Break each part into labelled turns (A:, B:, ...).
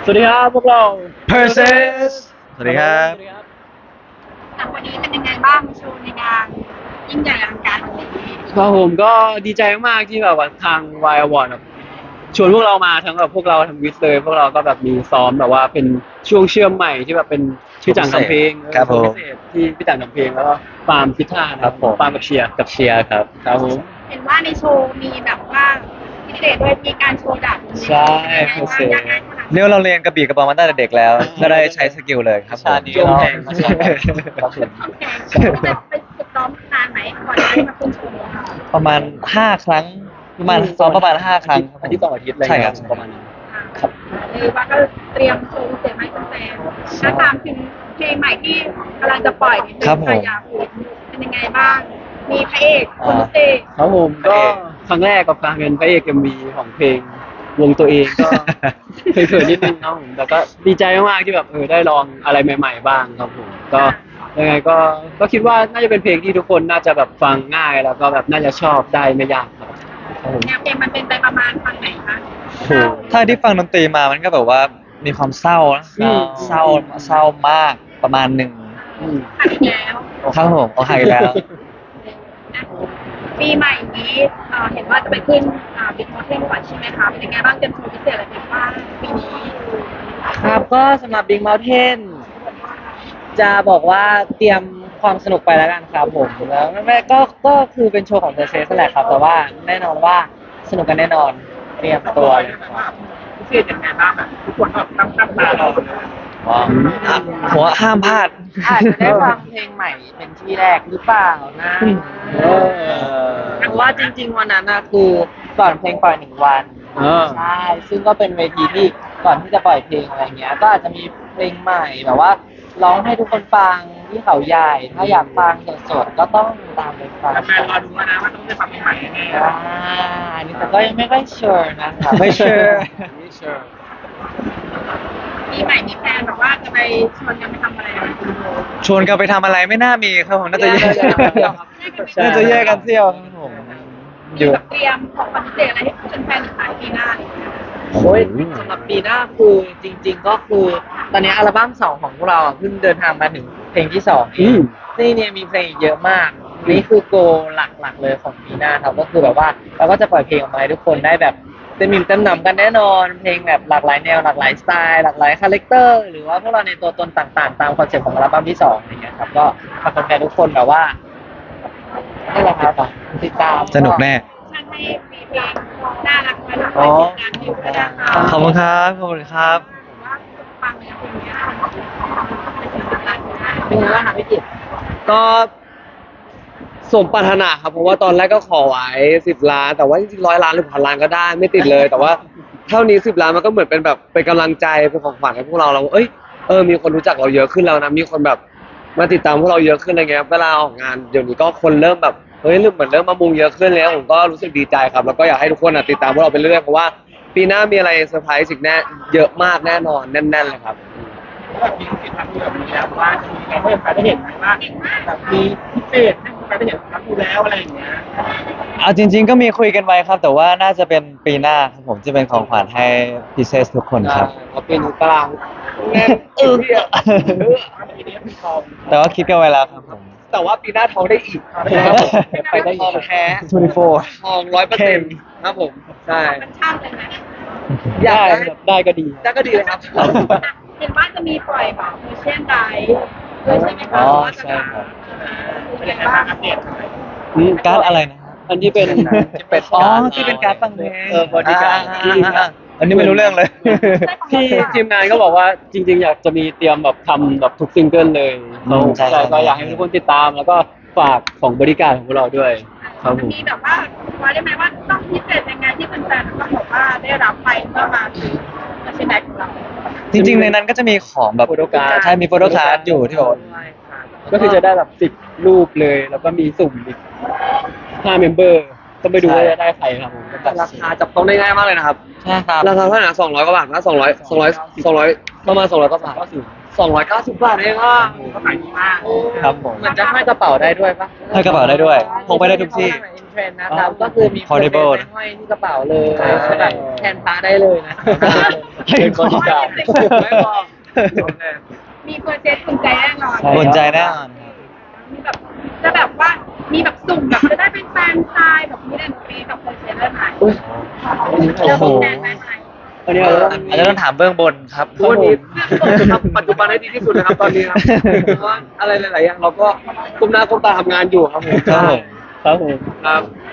A: วัสดีครับพวกเรา
B: Persis สวัสดีครับ
C: วันนี้เป็นยังไงบ้างโชว์ในงานยิ่งใหญ่อลังการวันนี้
A: ครับผมก็ดีใจมากๆที่แบบว่าทางวายอวอร์ดแบบชวนพวกเรามาทั้งแบบพวกเราทั้งวิสเลยพวกเราก็แบบมีซ้อมแบบว่าเป็นช่วงเชื่อมใหม่ที่แบบเป็นพี่จังทำเพลง
B: ครับผม
A: พิเศษที่พี่จังทำเพลงแล้วก็ปาล์มพิธานะครับ
B: ผม
A: ปาล์มกับเชียร์
B: ครับ
A: ครับผม
C: เห็นว่าในโชว์มีแบบว่าพิเศษด้วยมีการโชว์ดาบ
A: ใช่
C: พิเศษยังไงขนาด
B: เรียกว่าเราเรียนกระบี่กระบองมาตั้งแต่เด็กแล้ว ก็ได้ใช้สกิลเลยครับผม
A: จ้วงแทง
B: ครับผม
C: แข่งไปฝึกซ้อมนานไหมก่อนจะได้มาขึ้นโชว์นี้ค่ะ
B: ประมาณ5 ครั้งประมาณซ้อมประมาณ5 ครั้งครับผม
A: อาทิตย์ต่ออาทิตย์อะไร
B: ใช่ครับ
A: ประมาณนั้น
C: เลยว่าก็เตรียมโชว์พิเศษให้แฟนๆถ้าตามถึงเพลงใหม่ที่กำลังจะปล่อยนี่
B: ครับผม
C: อยากเป็นยังไงบ้าง มีพระเอกคนพิเศษ
A: ครับผมก็ครั้งแรกกับการเป็นพระเอกMVของเพลงวงตัวเองก็เขินๆนิดนึงครับผมแต่ก็ดีใจมากๆที่แบบได้ลองอะไรใหม่ ๆ บ้างครับผมก็ยังไงก็คิดว่าน่าจะเป็นเพลงที่ทุกคนน่าจะแบบฟังง่ายแล้วก็แบบน่าจะชอบได้ไม่ยากครับครับผม
C: แนวเพลงมันเป็นไปประมาณฟังไหนคะ
A: โอ้โห
B: ถ้าที่ฟังดนตรีมามันก็แบบว่ามีความเศร้านะ
A: อืม
B: เศร้ามากประมาณหนึ่ง
A: อืม
C: ผ่านแล้ว
B: ครับผมเอาหายแล้ว
C: ปีใหม่นี้เห็นว่าจะไปขึ้นบิ๊กมอเทนก่อนใช่ไหมคะเป็นยังไงบ้างเตรียมโชว์พิเศษอะไรบ้างปีนี้
D: ครับก็สำหรับ Big Mountain จะบอกว่าเตรียมความสนุกไปแล้วกันครับผมแล้วแม่ก็คือเป็นโชว์ของเซอร์เซสนั่นแหละครับ แต่ว่าแน่นอนว่าสนุกกันแน่นอนเตรียมตัวเลยครับ
C: พิเศษยังไงบ้างแบบทุกคนแบบตั้งตารอเลย
B: ผมว่าห้ามพลาด
D: อาจจะได้ฟังเพลงใหม่เป็นที่แรกหรือเปล่านะ
A: เออ
D: เพราะว่าจริง ๆ วันนั้นนะคือก่อนเพลงปล่อย1 วัน
A: เออ
D: ใช่ซึ่งก็เป็นเวทีที่ก่อนที่จะปล่อยเพลงอะไรเงี้ย ก็อาจจะมีเพลงใหม่แบบว่าร้องให้ทุกคนฟังที่เขาใหญ่ ถ้าอยากฟังสดๆก็ต้องตามไปฟัง
C: แฟนรอดูนะว่าต้องได้ฟังเพลงใหม่แน่
D: อ่าอันนี้แต่ก็ยังไม่ค่อยเชื่อนะครับ
B: ไม่เชื่อ
C: ปีใหม่มีแฟนแบบว่าจะไปชวนกันไปทำอะไรกัน
B: ชวนกันไปทำอะไรไม่น่ามีครับผมน่าจะแยก
A: ใช่
B: น่าจะแยกกันเที่ยวครับผมอ
C: มี
B: ยู่
C: แบบเตรียมของขวัญพิเศษอะไรให้แฟนๆขายปีหน้าอะไรอย่างเงี้ย
D: โอ้ยสำหรับปีหน้าคือจริง ๆ ก็คือตอนนี้อัลบั้ม2ของพวกเราเพิ่งเดินทางมาถึงเพลงที่2เอ
A: อื
D: ง
A: ม
D: นี่เนี่ยมีเพลงอีกเยอะมาก นี่คือโกหลักๆเลยของปีหน้าครับก็คือแบบว่าเราก็จะปล่อยเพลงออกมาให้ทุกคนได้แบบเต็มอิ่มเต็มหนำกันแน่นอน เพลงแบบหลากหลายแนวหลากหลายสไตล์หลากหลายคาแรคเตอร์หรือว่าพวกเราในตัวตนต่างๆ ตามคอนเซ็ปต์ของอัลบั้มที่2อะไรเงี้ยครับก็ฝากแฟนๆทุกคนแบบว่านี่แหละครับติดตาม
B: สนุกแน่
C: ช่างให้มีเพลงน่ารักไว้ทำ
B: อ๋
C: ให้
B: อ
C: ติดตามอยู่ด้วยนะคะ
B: ขอบคุณครับ ขอบคุณครับ
C: ว่าฟังเนี่ยเพลงเนี้ยเป็นสิ่งสำคัญมาก
D: เป็นไงบ้างครับพี่จิตร
E: ก็สมปรารถนาครับเพราะว่าตอนแรกก็ขอไว้10 ล้านแต่ว่าจริงๆ100 ล้านหรือ1,000 ล้านก็ได้ไม่ติดเลย แต่ว่าเท่านี้10 ล้านมันก็เหมือนเป็นแบบเป็นกำลังใจเป็นของขวัญให้พวกเราเอ้ยมีคนรู้จักเราเยอะขึ้นแล้วนะมีคนแบบมาติดตามพวกเราเยอะขึ้นอะไรเงี้ยเวลาออกงานเดี๋ยวนี้ก็คนเริ่มแบบเฮ้ยเหมือนเริ่มมามุงเยอะขึ้นแล้วผมก็รู้สึกดีใจครับแล้วก็อยากให้ทุกคนติดตามพวกเราไปเรื่อยเพราะว่าปีหน้ามีอะไรเซอร์ไพรส์อีกแน่เยอะมากแน่นอนแน่นๆเลยครับ
C: แบบมีสิทธิ์ทำแบบนี้แล้วว่าจะมีการให้แฟนได้เห็นไหมว่าแบบมีพิเศษให้แฟนได้เห็นทำดูแล้วอะไรอย่างเงี้ย
B: เอาจริง ๆ ก็มีคุยกันไว้ครับ แต่ว่าน่าจะเป็นปีหน้าครับผมจะเป็นของขวัญให้พิเศษทุกคนครับ
E: เขาเป็นตารางแน่น
C: ปีนี้มีทอง
B: แต่ว่าคิดกันไว้แล้วครับผม
E: แต่ว่าปีหน้าท้องได้อีก
D: ไปได้อีก
E: ทองแท้
B: 24
E: ทอง100%ครับผมใช่
C: มันช่างเลยนะ
E: อยาก
A: ได้ก็ดี
E: ได้ก็ดีเลยครับ
C: เห็นว่าจะมีปล่อยแบบมิเชียนไดด้วยใช่ไหมคะ
B: อ๋อใช่ครับ
C: เป็นยังไงบ้างอัปเดตหน่อย
B: การ์ดอะไรนะฮะ
A: อันที่เป็น
B: อ๋อที่เป็นการ์ดฟังเพลง
A: บอดี้การ์ด
B: อันนี้ไม่รู้เรื่องเลย
A: ที่ทีมงานก็บอกว่าจริง ๆ อยากจะมีเตรียมแบบทำแบบทุกซิงเกิลเลยเขา
B: ใช่
A: ใช่ก็อยากให้ทุกคนติดตามแล้วก็ฝากของบริการของพวกเราด้วยครับผม
C: มีแบบว่าว่าได้ไหมว่าต้องพิเศษยังไงที่แฟนๆต้องบอกว่าได้รับไปเมื่อมาซื้อมิเชียนไดของเรา
B: จริงๆในนั้นก็จะมีของแบบ
A: โฟโต้การ์ด
B: ใช่มีโฟโต้การ์ดอยู่ที่แบบว่า
A: ก็คือจะได้แบบ10 รูปเลย แล้วก็มีสุ่มอีก5 เมมเบอร์ต้องไปดูว่าจะได้ใครครับผม
E: ราคาจับต้องได้ง่ายมากเลยนะครับ
B: ใช่ครับ
E: ราคาเท่าไหร่นะ200 กว่าบาทนะ200ประมาณ200 กว่าบาท 290 บาทเองอ่ะ
C: ก็ขายดีมาก
B: ครับผม
D: เหมือนจะห้อยกระเป๋าได้ด้วยปะ
B: ให้กระเป๋าได้ด้วยพกไปได้ทุกที่
D: อินเทรนด์นะครับก็คือมี
B: Portable
D: ไปห้อยที่กระเป๋าเลยแบบแทนพระได้เลยนะ
B: เป็นบริการ
E: ไม่พอ
F: มีเปอร์เซ็นต์ภูมิใจแน่นอน
A: ใช่
B: บนใจแน่นอนครับ
F: มีแบบจะแบบว่ามีแบบสุ่มแบบจะได้เป็นแฟนชายแบบนี้ได้หนูปีกับเปอร์เซ็นต์ได้ไหม
B: โอ้โห
F: แฟนได้ไหม
A: วันนี้เราต้อง
B: อาจจะต้องถามเบื้องบนครับ
E: วันนี้ทำปัจจุบันให้ดีที่สุดนะครับตอนนี้ครับเพราะว่าอะไรหลายๆอย่างเราก็ก้มหน้าก้มตาทำงานอยู่ครับผม
B: ครับผม
A: ครับผม
E: ครับ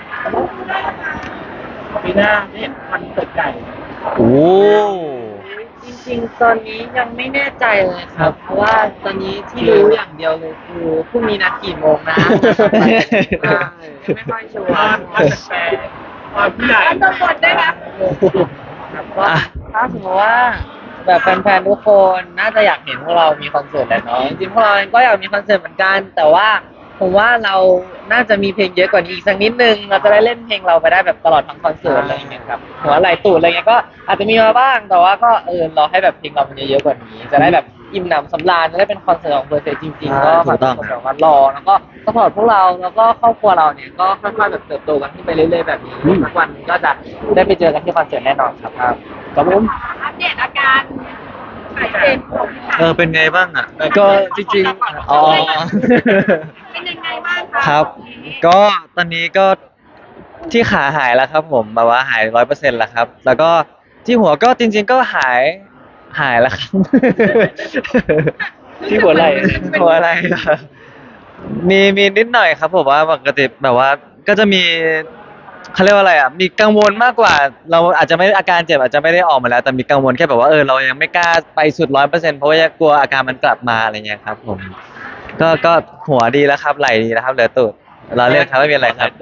C: ปีหน้าได้เห็นคอนเสิร์ตใหญ่
B: โอ้
D: จริงๆ ตอนนี้ยังไม่แน่ใจเลยครับ เพราะว่าตอนนี้ที่รู้อย่างเดียวเลยคือพรุ่งนี้นัดกี่โมงนะไม่ค่อยชัว
C: ความ
D: ร์
C: แฟนความผู้ใหญ่
F: แล้วตัวบทได้ไหม
D: ก็ถ้าสมมติว่าแบบแฟนๆ ทุกคนน่าจะอยากเห็นพวกเรามีคอนเสิร์ตแหละเนาะจริงๆ พวกเราเองก็อยากมีคอนเสิร์ตเหมือนกัน แต่ว่าผมว่าเราน่าจะมีเพลงเยอะกว่านี้อีกสักนิดนึง เราจะได้เล่นเพลงเราไปได้แบบตลอดทั้งคอนเสิร์ตอะไรอย่างเงี้ยครับหัวไหล่ตูดอะไรเงี้ยก็อาจจะมีมาบ้าง แต่ว่าก็รอให้แบบเพลงเรามันเยอะๆกว่านี้ จะได้แบบอิ่มหนำสำราญจะได้เป็นคอนเสิร์ตของเพอร์เซจริงๆ ก็ฝากทุกคนแบบว่ารอแล้วก็สปอร์ตพวกเราแล้วก็ครอบครัวเราเนี่ยก็ค่อยๆแบบเติบโตกันขึ้นไปเรื่อยๆแบบนี้สักวันก็จะได้ไปเจอกันที่คอนเสิร์ตแน่นอนครับ
A: ครับผม
F: อัปเดตอาการหายเจ็บของพี่
B: เป็นไงบ้างอ่ะ
A: ก็จริง
B: อ๋อ
F: เป็นยังไงบ้างคะ
B: ครับ ก็ตอนนี้ก็ที่ขาหายแล้วครับผมแบบว่าหาย100%แล้วครับ แล้วก็ที่หัวก็จริง ๆ ก็หายแล้วครับ
A: ที่หัวไหล่
B: หัวอะไรล่ะมีนิดหน่อยครับผมว่าปกติแบบว่าก็จะมีเขาเรียกว่าอะไรอ่ะมีกังวลมากกว่า เราอาจจะไม่อาการเจ็บอาจจะไม่ได้ออกมาแล้ว แต่มีกังวลแค่แบบว่าเรายังไม่กล้าไปสุด100%เพราะว่ากลัวอาการมันกลับมาอะไรเงี้ยครับผมก็หัวดีแล้วครับไหล่ดีแล้วครับเหลือตูดเราเล่นครับไม่มีอะไรครับ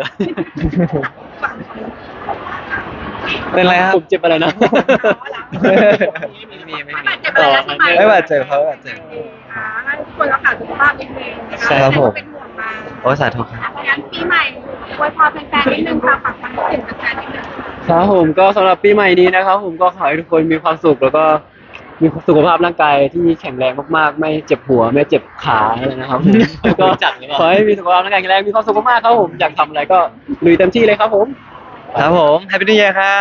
B: เป็นไรครับ
A: ผมเจ็บอะไรนะ
F: ไม่บาดเจ็บอะไรแล้วใช่ไหม
B: ไม่บาดเจ็บครับไม่บาดเจ็บ
F: ให้ทุกคนรักษาสุขภาพนิดนึงนะคะ
B: ใช่ครับผม
F: เป็นห่วงมา
B: โอ้สาธุครับ
F: งั้นปีใหม่อวยพรแฟนๆนิดนึงค่ะฝากความคิดถึงแฟนๆนิดนึง
A: ครับผมก็สำหรับปีใหม่นี้นะครับผมก็ขอให้ทุกคนมีความสุขแล้วก็มีสุขภาพร่างกายที่แข็งแรงมากๆ ไม่เจ็บหัวไม่เจ็บขาอะไรนะครับผมแล้วก็ขอให้มีสุขภาพร่างกายแข็งแรงมีความสุขมากๆครับผมอยากทำอะไรก็ลุยเต็มที่เลยครับผม
B: ครับผมแฮปปี้นิว e ย r ครับ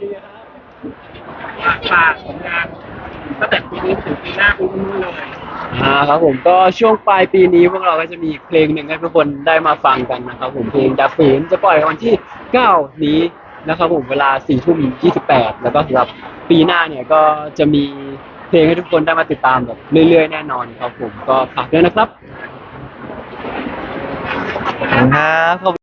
C: ฝากผลงานตั้งแต่ปีนี้ถึงปีหน้าปีนู้นเลย
A: ครับผมก็ช่วงปลายปีนี้พวกเราก็จะมีเพลงหนึ่งให้ทุกคนได้มาฟังกันนะครับผมเพลงดับฝืนจะปล่อยวันที่ 9 นี้นะครับผมเวลา 4:28 แล้วก็สำหรับปีหน้าเนี่ยก็จะมีเพลงให้ทุกคนได้มาติดตามแบบเรื่อยๆแน่นอนครับผมก็ฝากด้วยนะครับ
B: ขอบคุณครับ